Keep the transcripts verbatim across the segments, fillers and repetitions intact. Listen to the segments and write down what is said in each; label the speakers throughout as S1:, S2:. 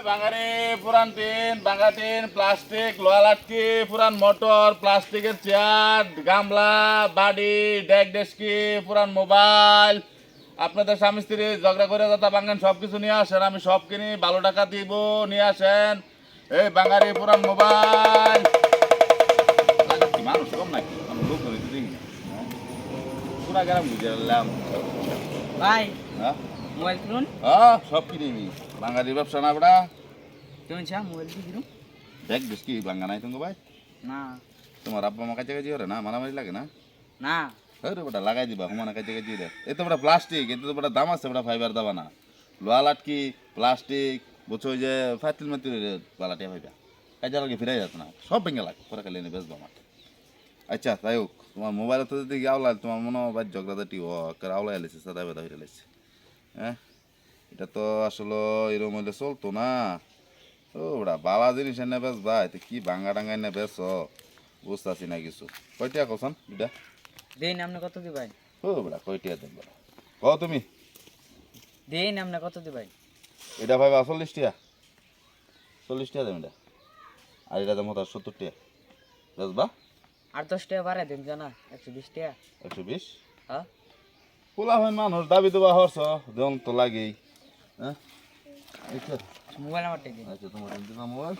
S1: বাঙালি পুরান টিন বাঙ্গা tin plastic লোহা লাটকি পুরান মোটর প্লাস্টিকের চেয়ার গামলা বাড়ি ডেক ডেস্কি পুরান মোবাইল আপনাদের স্বামী স্ত্রী ঝগড়া করে যাতা বাঙ্গান সব কিছু নিয়ে আসেন আমি সব কিনি ভালো টাকা দিব নিয়ে আসেন এই বাঙালি পুরান মোবাইল মানুষ কম নাকি আমি লোক দেখি পুরা গ্রাম বুঝে এলাম
S2: ভাই
S1: হ্যাঁ
S2: মোবাইল কিনুন
S1: হ্যাঁ সব কিনি বাঙালি ব্যবসা না বড়া
S2: তুমি চা মোবাইল কি কিনুন
S1: দেখ বেশ কি বাঙ্গা নাই তুমি ভাই
S2: না
S1: তোমার আব্বা মা কাছে কাছে ওরে না মারামারি লাগে না
S2: না
S1: হরে বেটা লাগাই দিবা হুমানা কাছে কাছে দে এ তো বড় প্লাস্টিক এতে তো বড় দাম আছে বড় ফাইবার দাবা না লোহা লাটকি প্লাস্টিক বুঝছো যে ফাতিল মাতিল বালাটিয়া ভাইবা কাজে লাগে ফিরাই যাত না সব ভেঙে লাগ পরে খালি এনে বেচবো আমার আচ্ছা তাই হোক তোমার মোবাইল তো যদি আওলা তোমার মনে হয় ভাই ঝগড়াঝাটি ও আওলা এলেছে সাদা বেদা হয়ে এলেছে হ্যাঁ এটা তো আসলে এরকম হইলে চলতো না ও ওরা বালা জিনিস এনে বেশ ভাই তো কি ভাঙ্গা টাঙ্গা এনে বেশ বুঝতেছি না কিছু কয়টা কখন এটা
S2: দেন আপনি কত দিবেন
S1: ও বড়া কয়টা দেন বড়া ক তুমি
S2: দেন আপনি কত দিবেন
S1: এটা ভাই চল্লিশ টাকা চল্লিশ টাকা দেন এটা আর এটা দাম হতো সত্তর টাকা বেশ বা
S2: আর দশ টাকা বাড়াই দেন জানা একশো বিশ টাকা
S1: একশো বিশ
S2: হ্যাঁ
S1: পোলা হয় মানুষ দাবি দেওয়া হরছ দেন তো লাগেই হ্যাঁ আচ্ছা
S2: মোবাইল আমার টেকে
S1: আচ্ছা তোমার দিলাম মোবাইল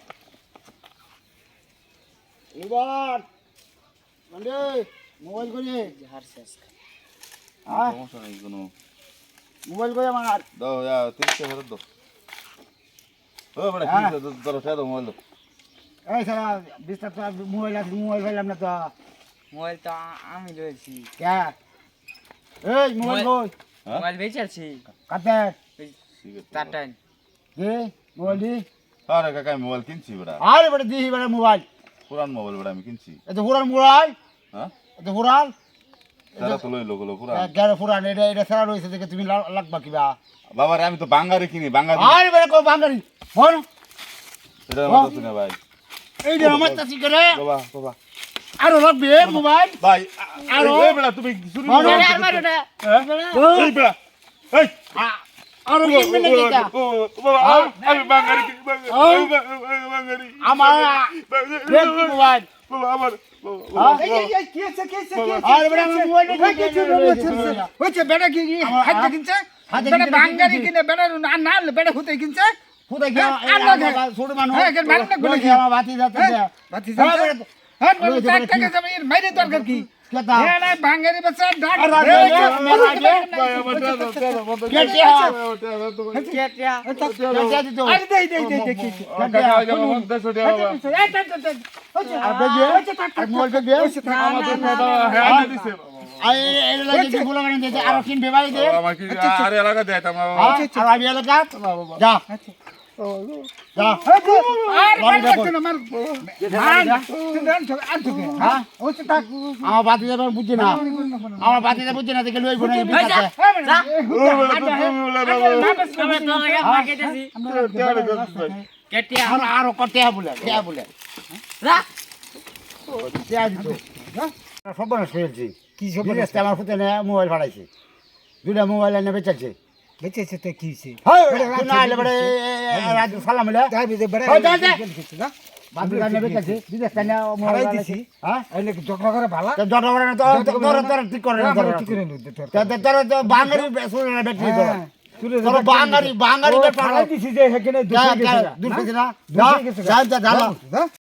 S3: এবার মানে মোবাইল করে
S2: হার শেষ
S3: হ্যাঁ
S1: সমস্যা নেই কোনো
S3: মোবাইল করে আমার
S1: দাও যা তিরিশ টাকা ফেরত দাও ও বড়া
S3: হ্যাঁ।
S1: কি ধরো ফেরত দাও মোবাইল
S3: এই সারা বিস্তার তো মোবাইল আছে মোবাইল পাইলাম না তো
S2: মোবাইল তো আ- আমি রয়েছি
S3: কে এই মোবাইল কই
S1: হ্যাঁ?
S2: মোবাইল বেচেছি
S3: কাতে
S2: চার টাইম
S3: দে মোবাইল দি
S1: আরে কাকা আমি মোবাইল কিনছি বড়া
S3: আরে বড় দিহি বড় মোবাইল
S1: পুরান মোবাইল বড়া আমি কিনছি
S3: এত পুরান মোবাইল
S1: হ্যাঁ
S3: এত পুরান
S1: তারা তো লইলো গুলো পুরান
S3: গ্যারে পুরান এটা এটা সারা রয়েছে দেখে তুমি লা- লাগবা কিবা
S1: বাবা রে আমি তো বাঙ্গারি কিনি বাঙ্গারি
S3: আরে বড় কো বাঙালি ফোন
S1: এটা আমার তো না ভাই
S3: এই যে আমার তাসি করে
S1: বাবা বাবা
S3: আরো লাগবে মোবাইল
S1: ভাই
S3: আরো?
S1: এই বড়া তুমি শুনি
S3: মারো,
S1: না?
S2: আর মারো না
S1: এই বড়া এই
S3: আরো কিনবে না কিটা
S1: ও বাবা
S3: হ্যাঁ?
S1: আমি বাঙ্গারি কিনি
S3: হ্যাঁ?
S1: বাঙ্গারি বাঙ্গারি
S3: আমার রেড মোবাইল
S1: বাবা আমার
S3: হ্যাঁ?
S4: আরে
S3: আরে বড় আমার মোবাইল
S4: হচ্ছে বেটা কি
S3: আমার-
S4: হাতে কিনছে
S3: হাতে
S4: বেটা
S3: কিনছে,
S4: বাঙ্গারি
S3: কিনছে।
S4: কিনে বেটা না না বেটা হতে কিনছে
S3: ফুটা কি
S4: হ্যাঁ, আর লাগে।
S3: ছোট মানুষ
S4: হ্যাঁ, এখানে মানুষ না গুলো কি?
S3: আমার বাতি যাচ্ছে
S4: হ্যাঁ, বাতি
S3: হ্যাঁ,
S4: যাচ্ছে।
S3: বেটা-
S4: হ্যাঁ
S3: বলে দে,
S4: টাক
S3: বলে
S4: টাক
S3: কি?
S4: যাবে এর মাইরে দরকার কি
S3: কেতা
S4: হ্যাঁ না বাঙ্গারি বাচ্চা ডাক
S3: আর রাত
S4: এই
S3: হয়ে
S4: যে,
S3: গেল, মেলা
S4: বলুন
S3: আগে।
S4: তো,
S3: কেটিয়া কেটিয়া দিত
S4: আরে দেই দেই দেই দেখি
S3: আর বেগে আর মোবাইল বেগে আর এর লাগে কি বলা মানে দিতে আর কিন বেবাই দে
S1: আরে এলাকা দেয় আমার
S3: আর আমি এলাকা যা যা
S4: আরে
S3: বাড়ি
S4: বাড়ি
S3: দেখো।
S4: না মার আর তো
S3: হ্যাঁ
S4: হচ্ছে থাক
S3: আমার বাতি যাবে বুঝছি না আমার বাতি যাবে বুঝছি না দেখে লইব না এই
S2: যা।
S3: বিকাশে।
S2: কেটিয়া
S3: আর আরো কটে বলে কে বলে
S2: রাখ
S3: কে দিত সব বড় ফেলছি কি সব আমার ফুটে না মোবাইল ফাড়াইছে দুটা মোবাইল এনে বেচাচ্ছে
S4: বেঁচেছে তো কি হইছে
S3: হয় না আলে বড় রাজু সালাম বলে
S4: তাই বিদে বেড়া
S3: ওই দে, দে।
S4: কিছু না
S3: বাবু এনে বেচাচ্ছে বিদেশ থেকে মোবাইল
S4: হারাই
S3: ফাড়াইছে
S4: দিছি
S3: হ্যাঁ
S4: এনে ঝগড়া করে ভালো
S3: তো জট বড় না তো তোর তোর ঠিক করে না তোর
S4: কি করে নি তোর
S3: তোর তোর তো বাঙালি বেসুর না বেটি তোর
S4: তুলে
S3: তোর বাঙালি বাঙালি বেটা
S4: হারাই দিছি যে হেখানে দুশো গেছে
S3: দূর থেকে না
S4: দুশো গেছে
S3: যা যা যা
S4: না